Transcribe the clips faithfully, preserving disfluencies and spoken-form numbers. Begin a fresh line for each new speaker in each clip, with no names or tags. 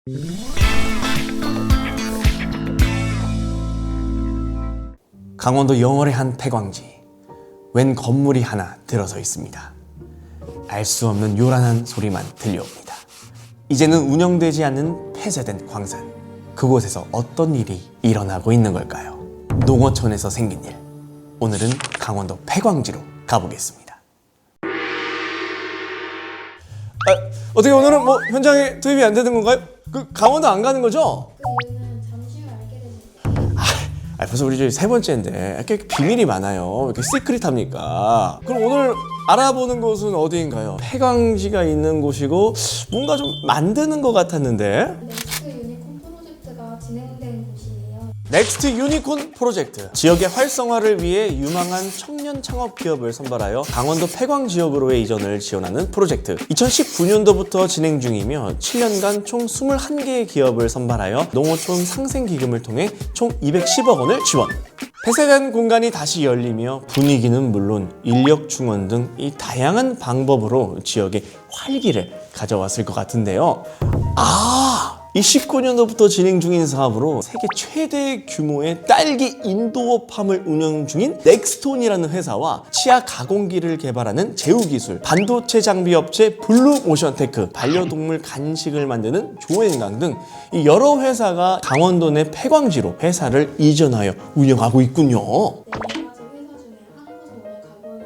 강원도 영월의 한 폐광지, 웬 건물이 하나 들어서 있습니다. 알 수 없는 요란한 소리만 들려옵니다. 이제는 운영되지 않는 폐쇄된 광산, 그곳에서 어떤 일이 일어나고 있는 걸까요? 농어촌에서 생긴 일, 오늘은 강원도 폐광지로 가보겠습니다. 아, 어떻게 오늘은 뭐 현장에 투입이 안 되는 건가요? 그 강원도 안 가는 거죠?
그 이유는 잠시 후 알게 되실
아, 벌써 우리 저희 세 번째인데 이렇게 비밀이 많아요. 왜 이렇게 시크릿합니까? 그럼 오늘 알아보는 곳은 어디인가요? 폐광지가 있는 곳이고 뭔가 좀 만드는 것 같았는데.
넥스트 유니콘 프로젝트가 진행된 곳이에요.
넥스트 유니콘 프로젝트, 지역의 활성화를 위해 유망한 청년 창업 기업을 선발하여 강원도 폐광 지역으로의 이전을 지원하는 프로젝트. 이천십구 년도부터 진행 중이며 칠 년간 총 이십일 개의 기업을 선발하여 농어촌 상생기금을 통해 총 이백십억 원을 지원. 폐쇄된 공간이 다시 열리며 분위기는 물론 인력 충원 등 이 다양한 방법으로 지역에 활기를 가져왔을 것 같은데요. 아! 이 십구 년도부터 진행 중인 사업으로 세계 최대 규모의 딸기 인도어팜을 운영 중인 넥스톤이라는 회사와 치아 가공기를 개발하는 제우기술, 반도체 장비 업체 블루모션테크, 반려동물 간식을 만드는 조앤강 등 이 여러 회사가 강원도 내 폐광지로 회사를 이전하여 운영하고 있군요.
네 가지 회사 중에 한 곳을 오늘 가볼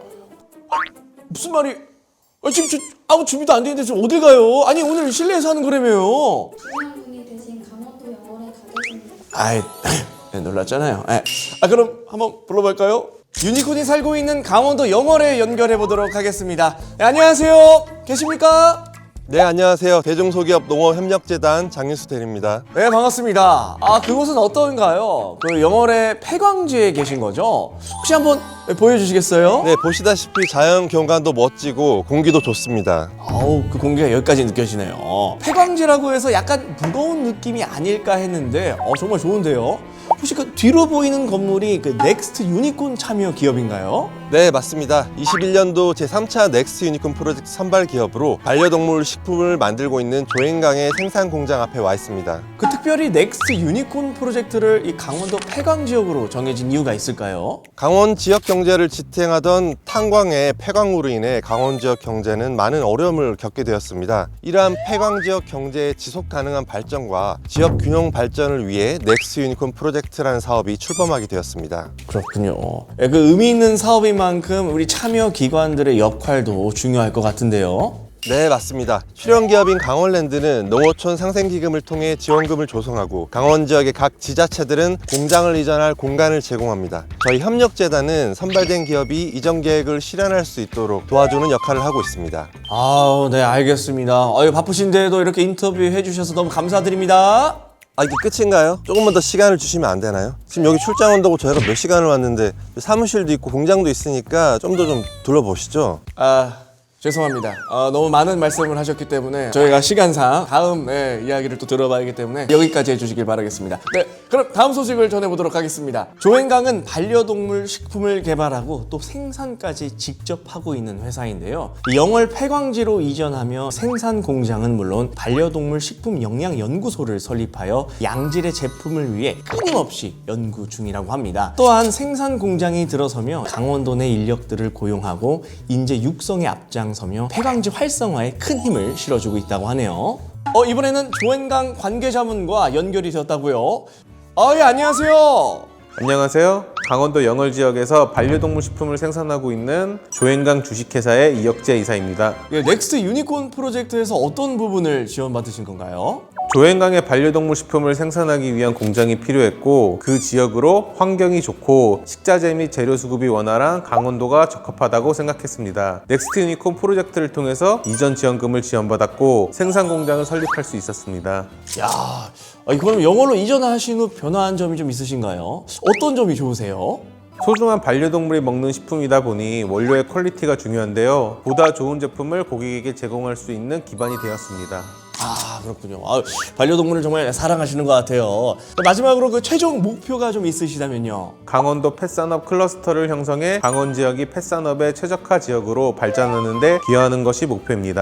예정인데
무슨 말이? 아, 지금 저 아무 준비도 안 되는데 지금 어딜 가요? 아니 오늘 실내에서 하는 거라며요.
중요한 분이 대신 강원도 영월에 가 계십니다.
아이, 네, 놀랐잖아요. 네. 아, 그럼 한번 불러볼까요? 유니콘이 살고 있는 강원도 영월에 연결해 보도록 하겠습니다. 네, 안녕하세요. 계십니까?
네, 안녕하세요. 대중소기업 농어협력재단 장윤수 대리입니다.
네, 반갑습니다. 아, 그곳은 어떤가요? 그 영월의 폐광지에 계신 거죠? 혹시 한번 보여주시겠어요?
네, 보시다시피 자연 경관도 멋지고 공기도 좋습니다.
아우, 그 공기가 여기까지 느껴지네요. 폐광지라고 해서 약간 무거운 느낌이 아닐까 했는데 어, 정말 좋은데요? 혹시 그 뒤로 보이는 건물이 그 넥스트 유니콘 참여 기업인가요?
네, 맞습니다. 이십일 년도 제삼 차 넥스트 유니콘 프로젝트 선발 기업으로 반려동물 식품을 만들고 있는 조앤강의 생산 공장 앞에 와 있습니다.
그 특별히 넥스트 유니콘 프로젝트를 이 강원도 폐광 지역으로 정해진 이유가 있을까요?
강원 지역 경제를 지탱하던 탄광의 폐광으로 인해 강원 지역 경제는 많은 어려움을 겪게 되었습니다. 이러한 폐광 지역 경제의 지속 가능한 발전과 지역 균형 발전을 위해 넥스트 유니콘 프로젝트라는 사업이 출범하게 되었습니다.
그렇군요. 예, 그 의미 있는 사업인 만큼 우리 참여 기관들의 역할도 중요할 것 같은데요.
네, 맞습니다. 출연 기업인 강원랜드는 농어촌 상생기금을 통해 지원금을 조성하고 강원 지역의 각 지자체들은 공장을 이전할 공간을 제공합니다. 저희 협력재단은 선발된 기업이 이전 계획을 실현할 수 있도록 도와주는 역할을 하고 있습니다.
아우, 네, 알겠습니다. 아유, 바쁘신데도 이렇게 인터뷰해 주셔서 너무 감사드립니다.
아, 이게 끝인가요? 조금만 더 시간을 주시면 안 되나요? 지금 여기 출장 온다고 저희가 몇 시간을 왔는데 사무실도 있고 공장도 있으니까 좀 더 좀 둘러보시죠.
아, 죄송합니다. 어, 너무 많은 말씀을 하셨기 때문에 저희가 시간상 다음 네, 이야기를 또 들어봐야 하기 때문에 여기까지 해주시길 바라겠습니다. 네, 그럼 다음 소식을 전해보도록 하겠습니다. 조앤강은 반려동물 식품을 개발하고 또 생산까지 직접 하고 있는 회사인데요. 영월 폐광지로 이전하며 생산 공장은 물론 반려동물 식품 영양 연구소를 설립하여 양질의 제품을 위해 끊임없이 연구 중이라고 합니다. 또한 생산 공장이 들어서며 강원도 내 인력들을 고용하고 인재 육성에 앞장 서며 폐광지 활성화에 큰 힘을 실어주고 있다고 하네요. 어, 이번에는 조앤강 관계자분과 연결이 되었다고요? 아, 예, 안녕하세요.
안녕하세요. 강원도 영월 지역에서 반려동물 식품을 생산하고 있는 조앤강 주식회사의 이혁재 이사입니다.
예, 넥스트 유니콘 프로젝트에서 어떤 부분을 지원받으신 건가요?
조앤강의 반려동물 식품을 생산하기 위한 공장이 필요했고 그 지역으로 환경이 좋고 식자재 및 재료 수급이 원활한 강원도가 적합하다고 생각했습니다. 넥스트 유니콘 프로젝트를 통해서 이전 지원금을 지원받았고 생산 공장을 설립할 수 있었습니다.
야, 아, 그럼 영월로 이전하신 후 변화한 점이 좀 있으신가요? 어떤 점이 좋으세요?
소중한 반려동물이 먹는 식품이다 보니 원료의 퀄리티가 중요한데요. 보다 좋은 제품을 고객에게 제공할 수 있는 기반이 되었습니다.
아, 그렇군요. 아, 반려동물을 정말 사랑하시는 것 같아요. 마지막으로 그 최종 목표가 좀 있으시다면요?
강원도 펫산업 클러스터를 형성해 강원 지역이 펫산업의 최적화 지역으로 발전하는 데 기여하는 것이 목표입니다.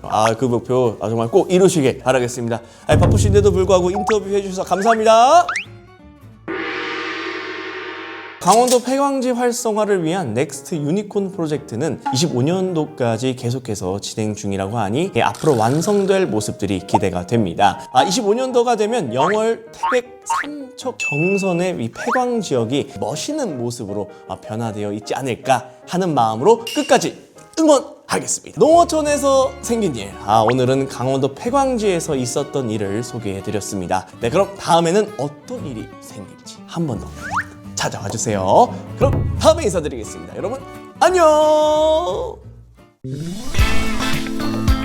아, 그 목표 아, 정말 꼭 이루시길 바라겠습니다. 아, 바쁘신데도 불구하고 인터뷰 해주셔서 감사합니다. 강원도 폐광지 활성화를 위한 넥스트 유니콘 프로젝트는 이십오 년도까지 계속해서 진행 중이라고 하니 예, 앞으로 완성될 모습들이 기대가 됩니다. 아, 이십오 년도가 되면 영월 태백 삼척 정선의 이 폐광 지역이 멋있는 모습으로 아, 변화되어 있지 않을까 하는 마음으로 끝까지 응원하겠습니다. 농어촌에서 생긴 일, 아, 오늘은 강원도 폐광지에서 있었던 일을 소개해드렸습니다. 네, 그럼 다음에는 어떤 일이 생길지 한 번 더 찾아와 주세요. 그럼 다음에 인사드리겠습니다. 여러분 안녕.